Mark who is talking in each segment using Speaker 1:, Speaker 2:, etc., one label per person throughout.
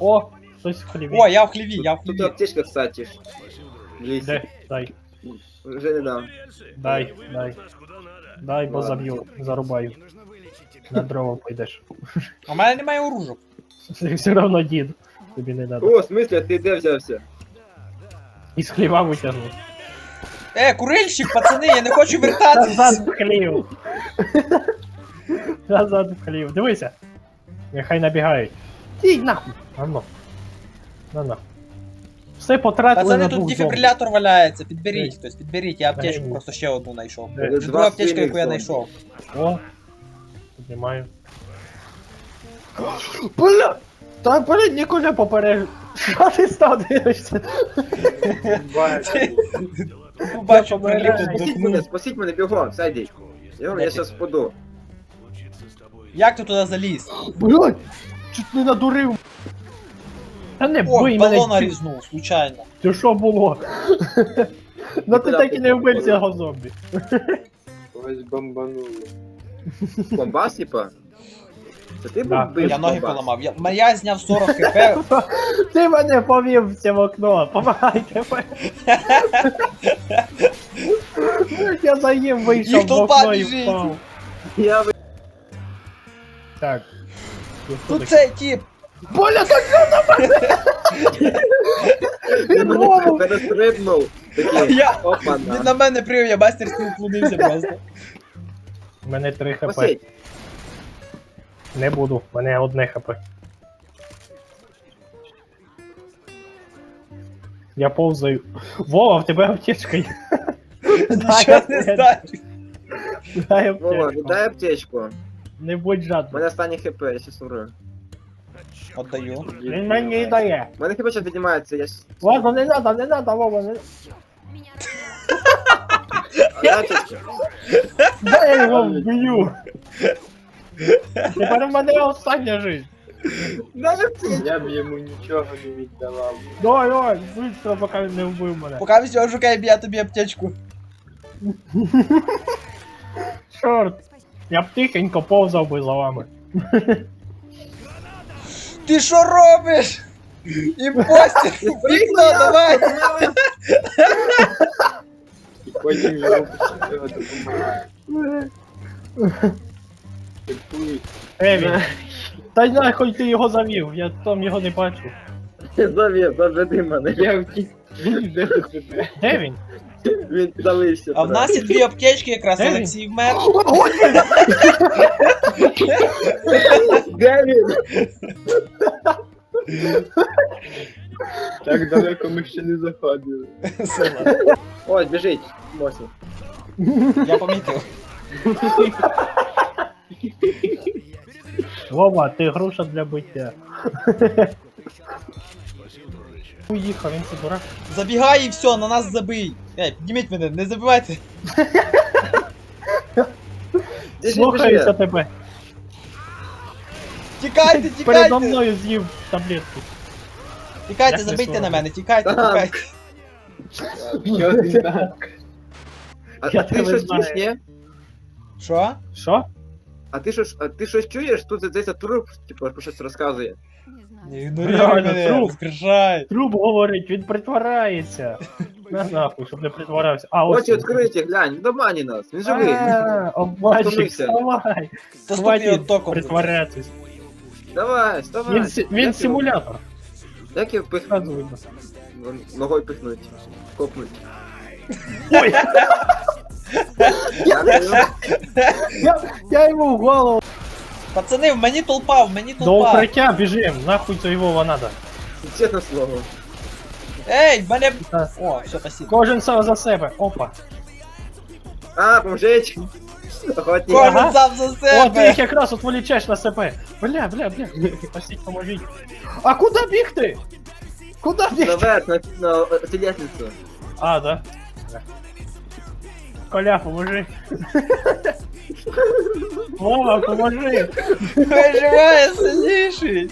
Speaker 1: О, хтось в хліві.
Speaker 2: О, я в хліві, я в
Speaker 3: Тут
Speaker 2: хліві.
Speaker 3: аптечка, кстати.
Speaker 1: Де? Дай.
Speaker 3: Вже не дам.
Speaker 1: Дай, дай. Дай, бо заб'ю, зарубаю. На дрова пойдеш.
Speaker 2: У мене немає оружок.
Speaker 1: Ти все равно дід. Тобі не надо.
Speaker 3: О, в смысле, а ти де взявся?
Speaker 1: Із хліва витягнув.
Speaker 2: Курильщик, пацани, я не хочу вертатись.
Speaker 1: Назад в хлів. Назад в хлів. Дивися. Нехай набігають. Ій, нахуй. Ано. На нахуй. Все потратили
Speaker 2: Пацани,
Speaker 1: на
Speaker 2: тут
Speaker 1: двох зомбі.
Speaker 2: дефібрилятор валяється, підберіть хтось, підберіть, я аптечку
Speaker 1: Дай.
Speaker 2: просто ще одну знайшов.
Speaker 1: Де?
Speaker 2: Це друга аптечка, яку я
Speaker 3: зомбі.
Speaker 2: знайшов.
Speaker 1: О. Піднімаю. Бля! Та блін, Ніколя попереджу. Що ти став дивишся?
Speaker 2: Побачу,
Speaker 1: помираю.
Speaker 2: приліп
Speaker 3: Спасіть мене, бігом, сядь. Я щас впаду.
Speaker 2: Як ти туди заліз?
Speaker 1: Блядь! Чуть не надурив. Та не
Speaker 2: О,
Speaker 1: бий
Speaker 2: балона
Speaker 1: мене.
Speaker 2: різнув, случайно.
Speaker 1: Це що було? Ну ти так і не вбив цього зомбі.
Speaker 4: Ось бомбануло.
Speaker 3: Бомбас, типа? Це ти
Speaker 1: Да.
Speaker 3: був бив
Speaker 2: Я ноги
Speaker 3: бомбас?
Speaker 2: поламав. Я зняв 40 хп.
Speaker 1: Ти мене повів в це вікно. Помагайте. Я за ним вийшов
Speaker 2: Їх
Speaker 1: в
Speaker 2: толпа
Speaker 1: окно і
Speaker 2: біжить.
Speaker 1: впав.
Speaker 3: Я
Speaker 1: Так.
Speaker 2: Тут цей тип.
Speaker 1: Боля, так він голову.
Speaker 3: перестрибнув. Такий,
Speaker 2: Я-
Speaker 3: опа,
Speaker 2: Він на мене прив, я мастерськи уклонився просто.
Speaker 1: У мене 3 хп.
Speaker 3: Спасіть.
Speaker 1: Не буду, у мене 1 хп. Я повзаю. Вова, в тебе аптечка є.
Speaker 2: Нічого не знаю.
Speaker 1: Дай
Speaker 3: Вова,
Speaker 1: аптечку.
Speaker 3: віддай аптечку.
Speaker 1: Не будь
Speaker 3: У
Speaker 1: жадним.
Speaker 3: мене останній хп, я щас умру.
Speaker 2: Отдаю.
Speaker 1: Він мені дає.
Speaker 3: У мене хп зараз піднімається, я щас...
Speaker 1: Ладно, не надо, Вова, не...
Speaker 3: Аптечка.
Speaker 1: Да я його вб'ю. Тепер в мене остання жизнь.
Speaker 3: Дай аптечку.
Speaker 4: Я б йому нічого не віддавав.
Speaker 1: Давай, швидко, поки він не вбив мене.
Speaker 2: Поки все шукай, я тобі аптечку.
Speaker 1: Чорт. Я б тихенько повзав би за вами.
Speaker 2: Ти що робиш? Імпостер! Вікно, давай!
Speaker 4: І потім його почали допомагати. Типують.
Speaker 1: Він. Та й нахуй ти його завів, я там його не бачу.
Speaker 3: Заведи мене.
Speaker 4: Я втік. Він де до тебе.
Speaker 1: Де він?
Speaker 3: Він піддалився.
Speaker 2: А в нас є 2 аптечки, якраз
Speaker 1: Де він?
Speaker 2: Олексій вмер.
Speaker 3: Де він?
Speaker 4: Так далеко ми ще не заходили.
Speaker 3: Ось, біжить. Мосі.
Speaker 2: Я помітив.
Speaker 1: Вова, ти груша для биття. Уїхав, він це дурак.
Speaker 2: Забігай і все, на нас забий. Підніміть мене, не забивайте.
Speaker 1: Слухаюся тебе.
Speaker 2: Тікайте,
Speaker 1: Передо
Speaker 2: тікайте!
Speaker 1: мною з'їв таблетку.
Speaker 2: Тікайте,
Speaker 1: Як не
Speaker 2: забийте на
Speaker 1: соромно.
Speaker 2: мене, тікайте,
Speaker 3: Так.
Speaker 2: тікайте.
Speaker 4: Що ти так?
Speaker 1: Я
Speaker 3: А ти
Speaker 1: тебе
Speaker 3: щось
Speaker 1: знаю.
Speaker 3: чуєш, ні?
Speaker 2: Що?
Speaker 1: Що?
Speaker 3: А ти щось чуєш? Тут здається труп, типу, про щось розказує.
Speaker 2: Не ігноруй
Speaker 1: Реально,
Speaker 2: мене,
Speaker 1: труп.
Speaker 2: розкрижай.
Speaker 1: Труп говорить, він притворається. На нахуй, щоб не притворявся. А, ось.
Speaker 3: Очі відкриті, глянь, в домані нас, він живий.
Speaker 1: Обманщик,
Speaker 3: Втомився.
Speaker 1: вставай.
Speaker 2: Та стукни його током.
Speaker 1: Притворятись.
Speaker 3: Давай, вставай.
Speaker 1: Він симулятор.
Speaker 3: Як його пихнуть?
Speaker 1: Сразу видно.
Speaker 3: Ногою пихнуть. Копнуть.
Speaker 1: Ой,
Speaker 3: Дякую.
Speaker 1: я йому в голову.
Speaker 2: Пацани, в мені толпа, в мені
Speaker 1: До
Speaker 2: толпа.
Speaker 1: укриття біжим, нахуй це його надо.
Speaker 3: Чесне слово.
Speaker 2: Ей, в мене...
Speaker 1: Так.
Speaker 2: О, все, спасибо.
Speaker 1: Кожен сам за себе. Опа.
Speaker 3: А, поможіть. Охотник.
Speaker 2: Кожен
Speaker 1: Ага.
Speaker 2: сам за
Speaker 1: О, ти їх
Speaker 2: себе.
Speaker 1: якраз отволічеш на себе. Бля. Спасіть, поможіть. А куди бігти? Куди бігти?
Speaker 3: Наверх, на телесницю.
Speaker 1: А, да. Коля, поможи. Вова, поможи.
Speaker 2: Виживає сильніший.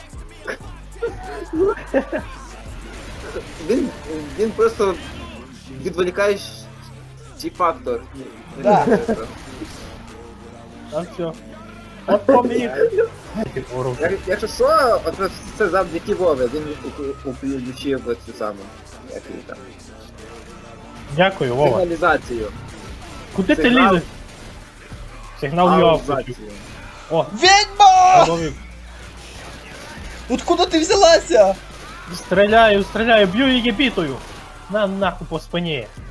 Speaker 3: Він просто відволікаєш фактор.
Speaker 2: Да.
Speaker 1: Там все. От поміг.
Speaker 3: Якщо що, от це завдяки Вові, він включив цю саму, як її там,
Speaker 1: Дякую, Вова.
Speaker 3: сигналізацію.
Speaker 1: Куди ти
Speaker 3: Сигнал.
Speaker 1: лізеш? Сигнал я включив.
Speaker 3: Аудіозацію.
Speaker 1: О,
Speaker 2: Ведьма!
Speaker 1: зловив.
Speaker 2: Откуда ти взялася?
Speaker 1: Стріляю, б'ю її бітою. На нахуй по спині.